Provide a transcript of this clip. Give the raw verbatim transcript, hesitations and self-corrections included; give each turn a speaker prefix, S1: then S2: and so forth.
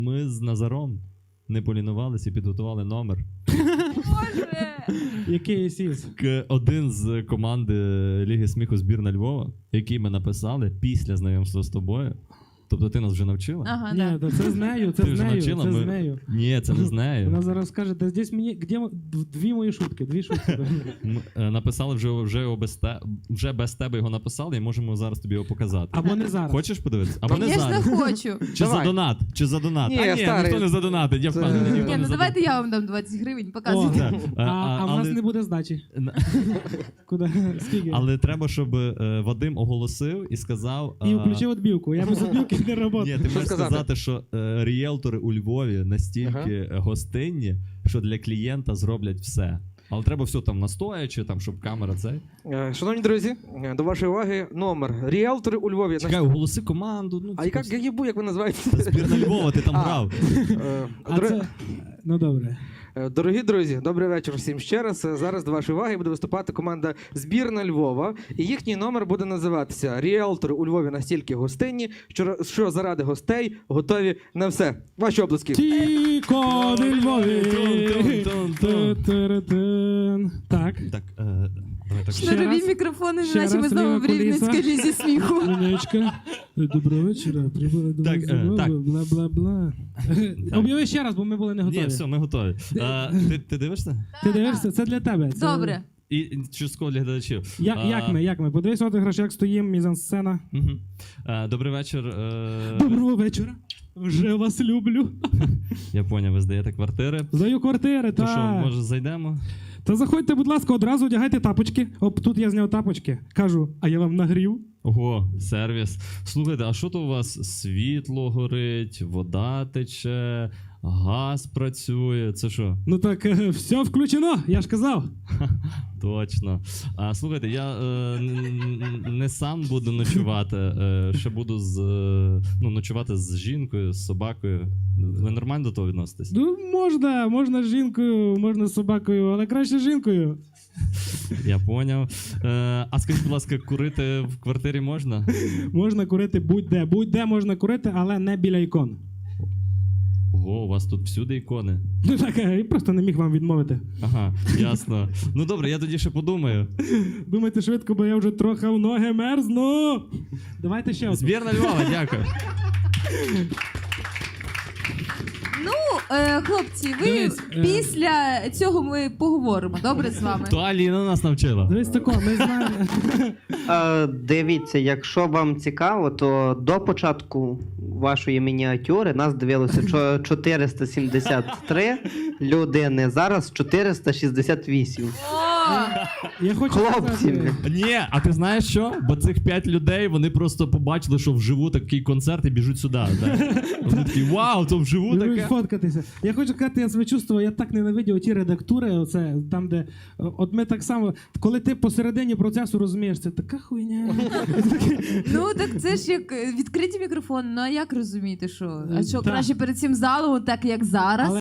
S1: Ми з Назаром не полінувалися і підготували номер.
S2: Боже!
S3: Який сіс?
S1: К- Один з команди Ліги сміху збірна Львова, який ми написали після знайомства з тобою. Тобто ти нас вже навчила?
S2: Ага,
S3: Ні,
S2: да.
S3: то це з нею, це
S1: Ти
S3: з
S1: вже
S3: нею,
S1: навчила?
S3: це
S1: Ми-
S3: з нею.
S1: Ні, це не з нею.
S3: Вона зараз скаже, да здесь мені, де мо- дві мої шутки, дві шутки.
S1: Ми е, написали вже, вже, його без те, вже без тебе його написали і можемо зараз тобі його показати.
S3: Або не зараз.
S1: Хочеш подивитися? Або не
S2: Звісно,
S1: зараз.
S2: хочу.
S1: Чи
S4: Давай.
S1: за донат? Чи за донат?
S4: Ні,
S1: а,
S4: я
S1: ні,
S4: старий.
S1: ніхто не за донат. Я
S4: Це-
S1: впевнений, ніхто
S2: Ні,
S1: не
S2: ну
S1: за
S2: давайте я вам дам двадцять гривень,
S3: О,
S2: показуйте.
S1: Так.
S3: а, а в нас
S1: але-
S3: не буде здачі. Куди? Скільки?
S1: Але треба, щоб е, Вадим оголосив і сказав...
S3: І
S1: е,
S3: включив відбівку. Я без відбівки не роботу.
S1: Ні, ти
S4: Що
S1: можеш
S4: сказати?
S1: сказати, що е, ріелтори у Львові настільки гостинні, що для клієнта зроблять все. Але треба все там настоячи, там, щоб камера цей.
S4: Е, Шановні друзі, е, до вашої уваги номер. Ріелтори у Львові.
S1: Чекай, оголоси команду. Ну,
S4: А яка, я їбу, як ви називаєте?
S1: збірна Львова, ти там
S4: А.
S1: грав.
S4: Е,
S3: А
S4: дор-
S3: це... Ну добре.
S4: Е, Дорогі друзі, добрий вечір всім ще раз. Е, Зараз до вашої уваги буде виступати команда збірна Львова. І їхній номер буде називатися «Ріелтори у Львові настільки гостинні, що, що заради гостей готові на все». Ваші обласки.
S3: Тіко не Львові.
S1: Тун-тун-тун-тун.
S3: Ту-ту-ру-тун. Так.
S1: Так, е, давай так.
S3: Ще
S2: Шнурові
S3: раз.
S2: мікрофони,
S3: Ще
S2: наче ми
S3: раз,
S2: знову
S3: ліва
S2: в Рівненській
S3: куліса.
S2: лізі сміху.
S3: Лінечка. Доброго вечора. Прибули до
S1: Так,
S3: нас
S1: е,
S3: знову,
S1: так.
S3: бла-бла-бла. Об'яви ще раз, бо ми були не готові.
S1: Ні, все, ми готові. Е, ти, ти дивишся?
S3: Ти дивишся? Це для тебе. Це...
S2: Добре.
S1: І і частково для глядачів.
S3: Я,
S1: Е,
S3: як ми, як ми? Подивись, от граш, як стоїмо, мізансцена.
S1: мгм. Е, Добрий вечір. е,
S3: Доброго вечора. Вже вас люблю.
S1: Я поняв, ви здаєте квартири.
S3: Здаю квартири,
S1: То що,
S3: та.
S1: може, зайдемо?
S3: Та заходьте, будь ласка, одразу одягайте тапочки. Оп, тут я зняв тапочки. Кажу, а я вам нагрів.
S1: Ого, сервіс. Слухайте, а що то у вас? Світло горить, вода тече, газ працює. Це що?
S3: Ну так, е, все включено, я ж казав.
S1: Точно. А слухайте, я е, н- н- не сам буду ночувати, е, ще буду з, е, ну, ночувати з жінкою, з собакою. Ви нормально до того відноситесь?
S3: Ну, можна, можна з жінкою, можна з собакою, але краще з жінкою.
S1: Я поняв. Е, а скажіть, будь ласка, курити в квартирі можна?
S3: Можна курити будь-де. Будь-де можна курити, але не біля ікон.
S1: Ого, у вас тут всюди ікони.
S3: Ну так, е, я просто не міг вам відмовити.
S1: Ага, ясно. Ну добре, я тоді ще подумаю.
S3: Думайте швидко, бо я вже трохи в ноги мерзну. Давайте ще одну.
S1: Збірна Львова, дякую.
S2: Ну, е, хлопці, ви
S3: Дивись, е.
S2: після цього ми поговоримо, добре з вами?
S1: То Аліна нас навчила.
S3: Дивись тако, ми знаємо.
S5: Е, Дивіться, якщо вам цікаво, то до початку вашої мініатюри нас дивилося чо- чотириста сімдесят три людини, зараз чотириста шістдесят вісім.
S2: О,
S3: Я хочу
S5: Хлопці!
S3: сказати,
S1: Ні, а ти знаєш що? Бо цих п'ять людей вони просто побачили, що вживу такий концерт і біжуть сюди. Да? Вони такі, вау, то вживу
S3: Будуть
S1: таке.
S3: фоткатися. Я хочу сказати, я себе чувствував, я так ненавидів ті редактури, оце, там, де. От ми так само, коли ти посередині процесу розумієш, це така хуйня.
S2: ну так це ж як е, відкриті мікрофони, ну а як розуміти, що? А що,
S3: Так.
S2: краще перед цим залом, так як зараз?
S3: Але